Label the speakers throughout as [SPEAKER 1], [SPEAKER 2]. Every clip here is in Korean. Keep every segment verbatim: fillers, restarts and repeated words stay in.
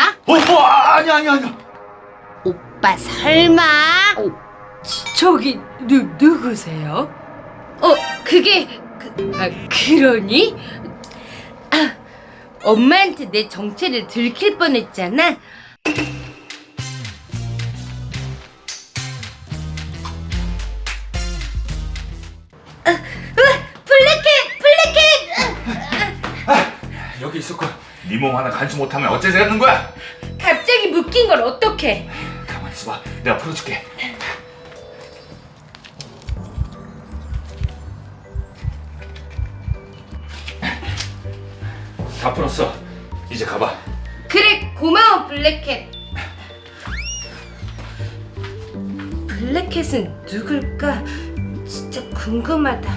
[SPEAKER 1] 뭐야?
[SPEAKER 2] 어, 어 아니 아니 아니.
[SPEAKER 1] 오빠 설마?
[SPEAKER 3] 어, 저기 누 누구세요?
[SPEAKER 1] 어 그게 그, 아, 그러니? 아, 엄마한테 내 정체를 들킬 뻔했잖아. 아, 으아, 블랙캣! 블랙캣!
[SPEAKER 2] 여기 있었고 네 몸 하나 간수 못하면 어째서는 거야?
[SPEAKER 1] 갑자기 묶인 걸 어떡해?
[SPEAKER 2] 가만 있어봐, 내가 풀어줄게. 다 풀었어. 이제 가봐.
[SPEAKER 1] 그래 고마워 블랙캣. 블랙캣은 누굴까? 진짜 궁금하다.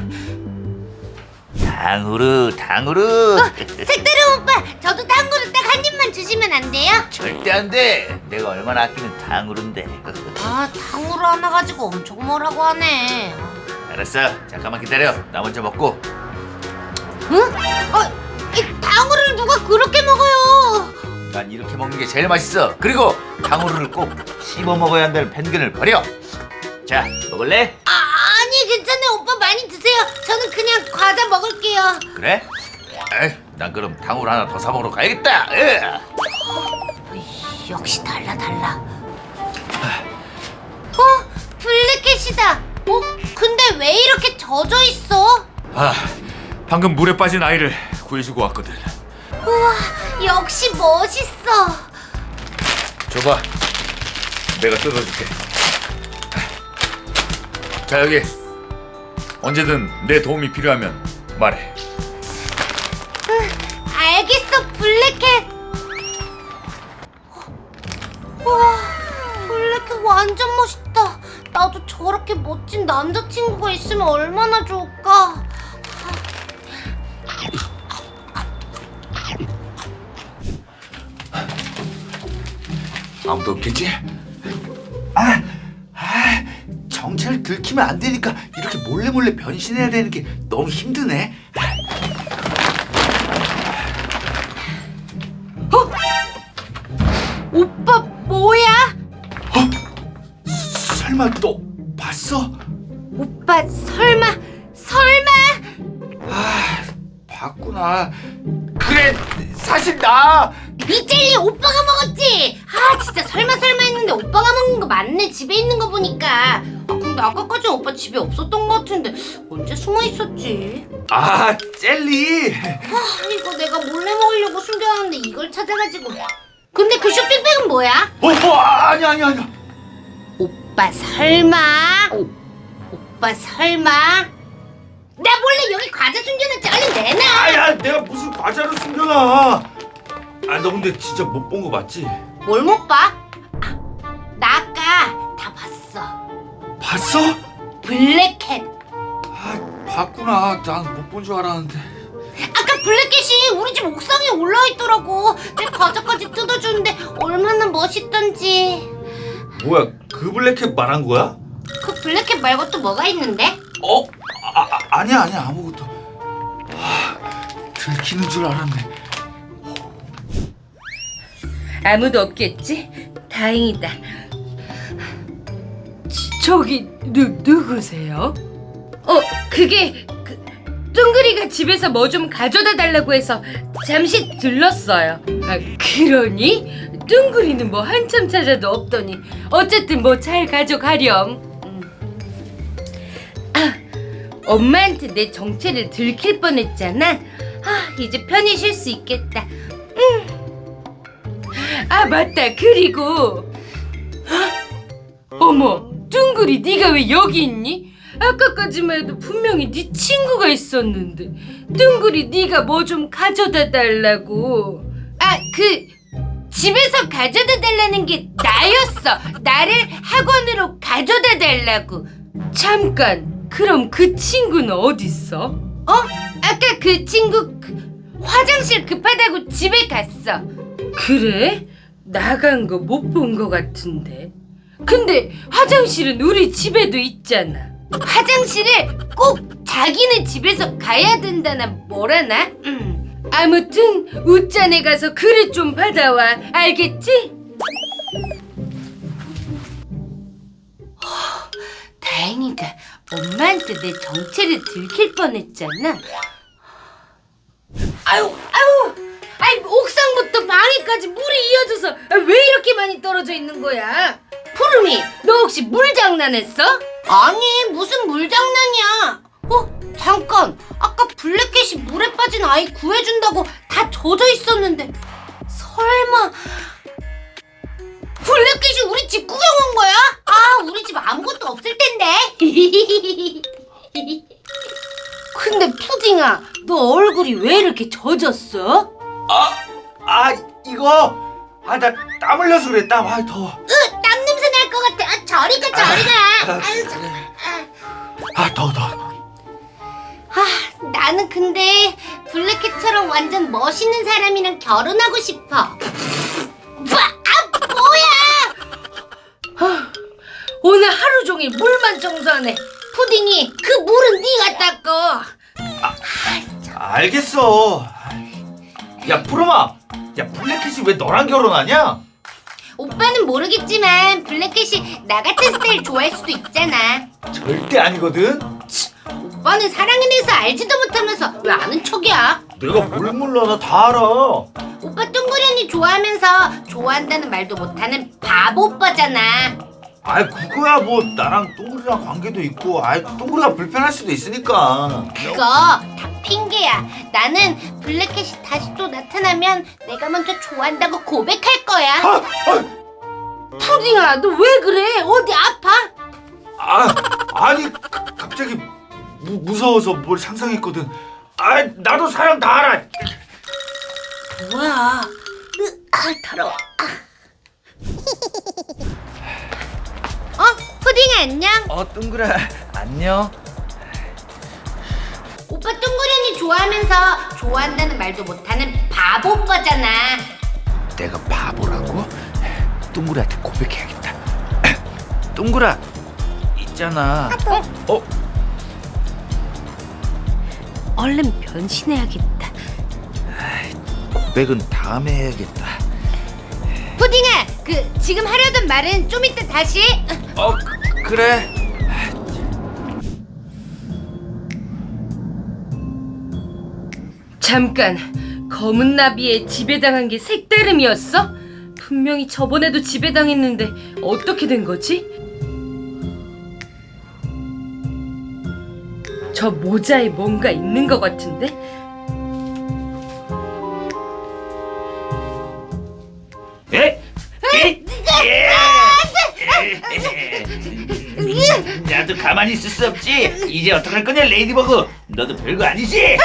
[SPEAKER 4] 탕후루 탕후루.
[SPEAKER 1] 색다른 오빠, 저도 탕후루 딱 한 입만 주시면 안 돼요?
[SPEAKER 4] 절대 안돼. 내가 얼마나 아끼는 탕후루인데.
[SPEAKER 1] 아, 탕후루 하나 가지고 엄청 뭐라고 하네.
[SPEAKER 4] 알았어, 잠깐만 기다려. 나 먼저 먹고.
[SPEAKER 1] 응? 어, 이 탕후루를 누가 그렇게 먹어요?
[SPEAKER 4] 난 이렇게 먹는 게 제일 맛있어. 그리고 탕후루를 꼭 씹어 먹어야 한다는 편견을 버려. 자, 먹을래?
[SPEAKER 1] 아, 아니 괜찮아요. 오빠 많이 드세요. 저는 그냥 과자 먹을게요.
[SPEAKER 4] 그래? 에이, 난 그럼 탕후루 하나 더 사 먹으러 가야겠다. 으.
[SPEAKER 1] 으이, 역시 달라 달라. 어? 블랙캣이다. 어? 근데 왜 이렇게 젖어 있어?
[SPEAKER 2] 아, 방금 물에 빠진 아이를 구해주고 왔거든.
[SPEAKER 1] 우와, 역시 멋있어.
[SPEAKER 2] 줘봐, 내가 뜯어줄게. 자, 여기 언제든 내 도움이 필요하면 말해.
[SPEAKER 1] 알겠어, 블랙캣. 우와, 블랙캣 완전 멋있다. 나도 저렇게 멋진 남자친구가 있으면 얼마나 좋을까.
[SPEAKER 2] 아무도 없겠지?
[SPEAKER 4] 아, 아, 정체를 들키면 안 되니까 이렇게 몰래 몰래 변신해야 되는 게 너무 힘드네.
[SPEAKER 1] 오빠 뭐야?
[SPEAKER 4] 어? 설마 너 봤어?
[SPEAKER 1] 오빠 설마 설마?
[SPEAKER 4] 아, 봤구나. 그래, 사실 나.
[SPEAKER 1] 이 젤리 오빠가 먹었지? 아 진짜 설마 설마 했는데 오빠가 먹는 거 맞네. 집에 있는 거 보니까. 아 근데 아까까지 오빠 집에 없었던 거 같은데 언제 숨어 있었지?
[SPEAKER 4] 아, 젤리.
[SPEAKER 1] 아 이거 내가 몰래 먹으려고 숨겨놨는데 이걸 찾아가지고. 근데 그 쇼핑백은 뭐야?
[SPEAKER 2] 어, 어 아니 아니 아니.
[SPEAKER 1] 오빠 설마? 오빠 설마? 나 몰래 여기 과자 숨겨놨지. 얼른 내놔.
[SPEAKER 2] 아야, 내가 무슨 과자를 숨겨놔. 아, 너 근데 진짜 못 본 거 맞지?
[SPEAKER 1] 뭘 못 봐? 아, 나 아까 다 봤어.
[SPEAKER 2] 봤어?
[SPEAKER 1] 블랙캣.
[SPEAKER 2] 아, 봤구나. 난 못 본 줄 알았는데.
[SPEAKER 1] 아까 블랙캣이 우리 집 옥상에 올라와 있더라고. 내 과자까지 뜯어주는데 얼마나 멋있던지.
[SPEAKER 2] 뭐야, 그 블랙캣 말한 거야?
[SPEAKER 1] 그 블랙캣 말고 또 뭐가 있는데?
[SPEAKER 2] 어? 아, 아 아니야 아니야 아무것도. 아, 들키는 줄 알았네.
[SPEAKER 1] 아무도 없겠지? 다행이다.
[SPEAKER 3] 저기 누 누구세요?
[SPEAKER 1] 어, 그게 그 뚱그리가 집에서 뭐 좀 가져다 달라고 해서 잠시 들렀어요.
[SPEAKER 3] 아, 그러니 뚱그리는 뭐 한참 찾아도 없더니 어쨌든 뭐 잘 가져가렴.
[SPEAKER 1] 음. 아, 엄마한테 내 정체를 들킬 뻔했잖아. 아, 이제 편히 쉴 수 있겠다.
[SPEAKER 3] 아 맞다. 그리고 헉! 어머, 뚱그리 네가 왜 여기 있니? 아까까지만 해도 분명히 네 친구가 있었는데. 뚱그리 네가 뭐 좀 가져다 달라고.
[SPEAKER 1] 아, 그 집에서 가져다 달라는 게 나였어. 나를 학원으로 가져다 달라고.
[SPEAKER 3] 잠깐, 그럼 그 친구는 어딨어?
[SPEAKER 1] 어? 아까 그 친구 그 화장실 급하다고 집에 갔어.
[SPEAKER 3] 그래? 나간 거 못 본 거 같은데. 근데 화장실은 우리 집에도 있잖아.
[SPEAKER 1] 화장실에 꼭 자기네 집에서 가야 된다나 뭐라나? 음.
[SPEAKER 3] 아무튼 웃잔에 가서 그릇 좀 받아와. 알겠지? 다행이다. 엄마한테 내 정체를 들킬 뻔했잖아. 아유, 아유, 아이 옥상부터 방에까지 물이 이어져서 왜 이렇게 많이 떨어져 있는 거야? 푸름이, 너 혹시 물 장난했어?
[SPEAKER 1] 아니 무슨 물장난이야. 어? 잠깐 아까 블랙캣이 물에 빠진 아이 구해준다고 다 젖어 있었는데 설마 블랙캣이 우리 집 구경 온 거야? 아 우리 집 아무것도 없을 텐데.
[SPEAKER 3] 근데 푸딩아, 너 얼굴이 왜 이렇게 젖었어?
[SPEAKER 2] 아, 아 이거 아 나 땀 흘려서 그래. 땀. 아 더워.
[SPEAKER 1] 으, 땀 냄새 날 것 같아. 아, 저리 가 저리 가.
[SPEAKER 2] 아,
[SPEAKER 1] 아유, 저, 아.
[SPEAKER 2] 아 더워 더워.
[SPEAKER 1] 아, 나는 근데 블랙캣처럼 완전 멋있는 사람이랑 결혼하고 싶어. 와, 아, 뭐야?
[SPEAKER 3] 오늘 하루 종일 물만 청소하네.
[SPEAKER 1] 푸딩이 그 물은 네가 닦어.
[SPEAKER 2] 알겠어. 야 푸르마, 야 블랙캣이 왜 너랑 결혼하냐?
[SPEAKER 1] 오빠는 모르겠지만 블랙캣이 나 같은 스타일 좋아할 수도 있잖아.
[SPEAKER 2] 절대 아니거든.
[SPEAKER 1] 오빠는 사랑에 대해서 알지도 못하면서 왜 아는 척이야?
[SPEAKER 2] 내가 뭘 몰라. 나 다 알아.
[SPEAKER 1] 오빠 뚱그리 언니 좋아하면서 좋아한다는 말도 못하는 바보 오빠잖아.
[SPEAKER 2] 아이 그거야 뭐 나랑 똥구리랑 관계도 있고 아이 똥구리가 불편할 수도 있으니까.
[SPEAKER 1] 그거 다 핑계야. 나는 블랙캣이 다시 또 나타나면 내가 먼저 좋아한다고 고백할 거야.
[SPEAKER 2] 아, 아,
[SPEAKER 3] 푸딩아, 너 왜 그래? 어디 아파?
[SPEAKER 2] 아 아니 가, 갑자기 무, 무서워서 뭘 상상했거든. 아 나도 사랑 다 알아.
[SPEAKER 1] 뭐야? 으, 아 더러워. 아. 어? 푸딩 안녕?
[SPEAKER 2] 어 똥구라 안녕.
[SPEAKER 1] 오빠 뚱그리 언니 좋아하면서 좋아한다는 말도 못하는 바보 오빠잖아.
[SPEAKER 2] 내가 바보라고? 똥구리한테 고백해야겠다. 똥구라 있잖아. 어? 어?
[SPEAKER 3] 얼른 변신해야겠다.
[SPEAKER 2] 고백은 다음에 해야겠다.
[SPEAKER 1] 푸딩아, 그 지금 하려던 말은 좀 이따 다시.
[SPEAKER 2] 어 그, 그래.
[SPEAKER 3] 잠깐, 검은 나비에 지배당한 게 색다름이었어? 분명히 저번에도 지배당했는데 어떻게 된 거지? 저 모자에 뭔가 있는 것 같은데?
[SPEAKER 2] 에? 에? 나도 가만히 있을 수 없지. 이제 어떡할 거냐 레이디버그. 너도 별거 아니지?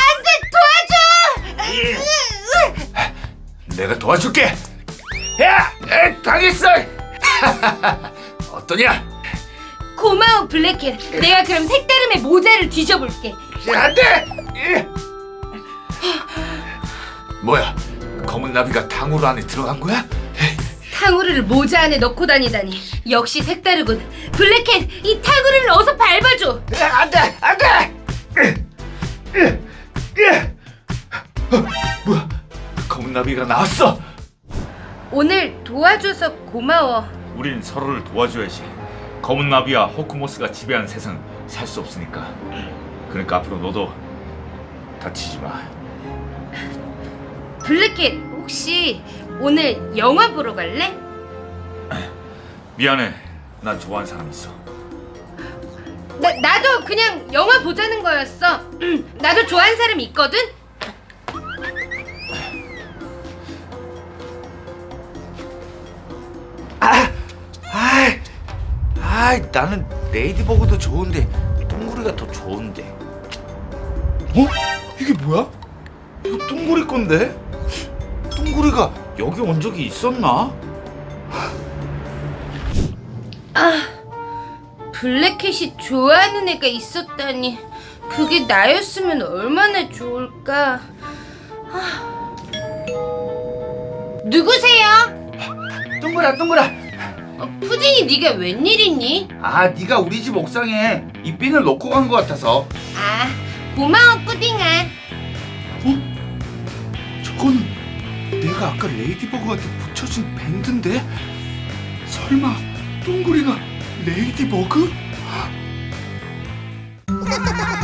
[SPEAKER 2] 내가 도와줄게. 야, 에, 당했어. 어떠냐?
[SPEAKER 3] 고마워 블랙캣. 내가 그럼 색다름의 모자를 뒤져볼게.
[SPEAKER 2] 안돼. 뭐야? 검은 나비가 탕후루 안에 들어간 거야?
[SPEAKER 3] 탕후루를 모자 안에 넣고 다니다니. 역시 색다르군. 블랙캣, 이 탕후루를 어서 밟아줘.
[SPEAKER 2] 안돼, 안돼. 어, 뭐야? 검은 나비가 나왔어.
[SPEAKER 3] 오늘 도와줘서 고마워.
[SPEAKER 5] 우린 서로를 도와줘야지. 검은 나비와 호크모스가 지배하는 세상은 살 수 없으니까. 그러니까 앞으로 너도 다치지 마.
[SPEAKER 3] 블랙캣, 혹시 오늘 영화 보러 갈래?
[SPEAKER 5] 미안해. 난 좋아하는 사람 있어.
[SPEAKER 3] 나, 나도 그냥 영화 보자는 거였어. 나도 좋아하는 사람 있거든?
[SPEAKER 2] 아, 아, 아, 나는 레이디버그도 좋은데 똥구리가 더 좋은데. 어? 이게 뭐야? 이거 똥구리 건데? 똥구리가 여기 온 적이 있었나?
[SPEAKER 3] 아, 블랙캣이 좋아하는 애가 있었다니. 그게 나였으면 얼마나 좋을까. 아.
[SPEAKER 1] 누구세요?
[SPEAKER 2] 똥구라, 똥구라.
[SPEAKER 3] 어, 푸딩이 네가 웬일이니?
[SPEAKER 2] 아, 네가 우리 집 옥상에 이 핀을 놓고 간 것 같아서.
[SPEAKER 1] 아, 고마워 푸딩아.
[SPEAKER 2] 그건 내가 아까 레이디버그한테 붙여준 밴드인데? 설마 둥그리가 레이디버그?